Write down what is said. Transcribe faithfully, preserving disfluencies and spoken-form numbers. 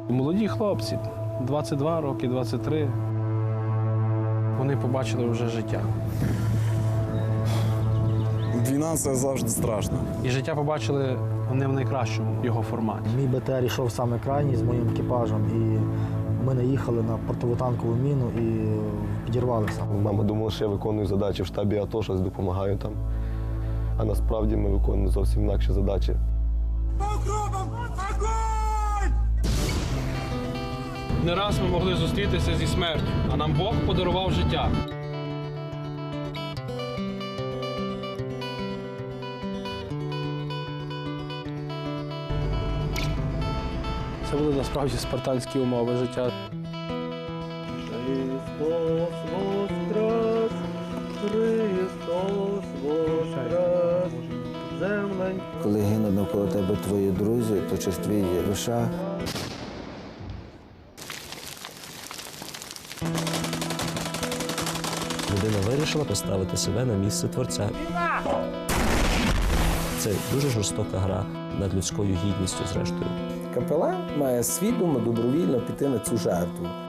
Молоді хлопці, двадцять два роки, двадцять три, вони побачили вже життя. Війна – це завжди страшно. І життя побачили не в найкращому його форматі. Мій БТР йшов саме крайній з моїм екіпажем, і ми наїхали на противотанкову міну і підірвалися. Мама думала, що я виконую задачі в штабі АТО, щось допомагаю там. А насправді ми виконуємо зовсім інакші задачі. Не раз ми могли зустрітися зі смертю, а нам Бог подарував життя. Це були насправді спартанські умови життя. Христос воскрес, Христос воскрес, землень. Коли гинуть навколо тебе твої друзі, то через твій душа. Людина вирішила поставити себе на місце Творця. Це дуже жорстока гра над людською гідністю, зрештою. Капелан має свідомо, добровільно піти на цю жертву.